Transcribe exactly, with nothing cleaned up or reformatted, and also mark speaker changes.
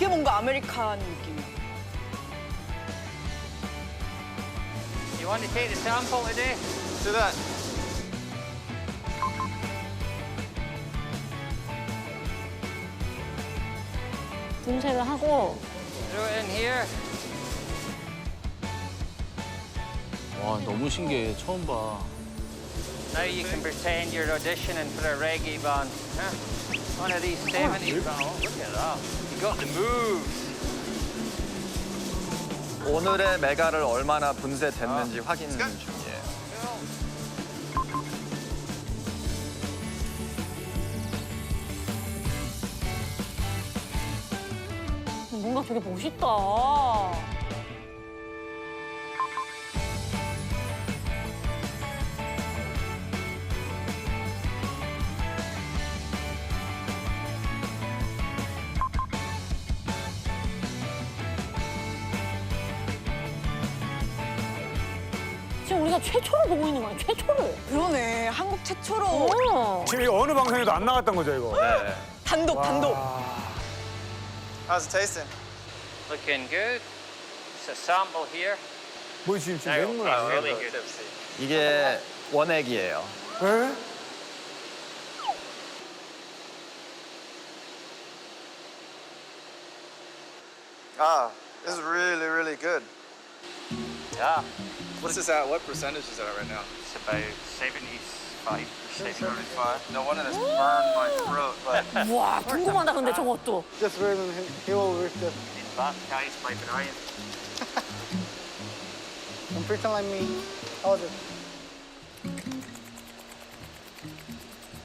Speaker 1: 되게 뭔가 아메리칸 느낌이야.
Speaker 2: You want to take the sample today?
Speaker 3: Do that.
Speaker 4: 분쇄를 하고
Speaker 2: Throw it in here.
Speaker 5: 와, 너무 신기해. 처음 봐.
Speaker 2: Now you can pretend you're auditioning for a reggae band. Huh? One of these seventies bands. Oh, look at that. You got the moves.
Speaker 3: 오늘의 메가를 얼마나 분쇄됐는지 확인 중이에요.
Speaker 4: 뭔가 되게 멋있다. 지금 우리가 최초로 보고 있는 거야, 최초를.
Speaker 1: 그러네. 한국 최초로
Speaker 4: 어.
Speaker 6: 지금 이거 어느 방송에도 안 나갔던 거죠, 이거?
Speaker 3: 네.
Speaker 1: 단독 단독.
Speaker 3: How's it tasting?
Speaker 2: Looking good. It's a sample here.
Speaker 6: 뭐 지금 지금
Speaker 2: Now,
Speaker 6: 맹물
Speaker 2: it's
Speaker 6: 아니에요?
Speaker 2: really good.
Speaker 3: 이게 원액이에요.
Speaker 6: 에?
Speaker 7: Ah, this is really, really good.
Speaker 2: Yeah.
Speaker 7: What's this at? What percentage is it at right now?
Speaker 2: It's about seventy-five percent.
Speaker 7: seventy-five. No wonder this burned my throat, but
Speaker 4: 와, 궁금하다, 근데 저것도.
Speaker 7: just wait and he will reach the...
Speaker 2: Been baptized by Brian.
Speaker 7: Don't pretend like me. How was it?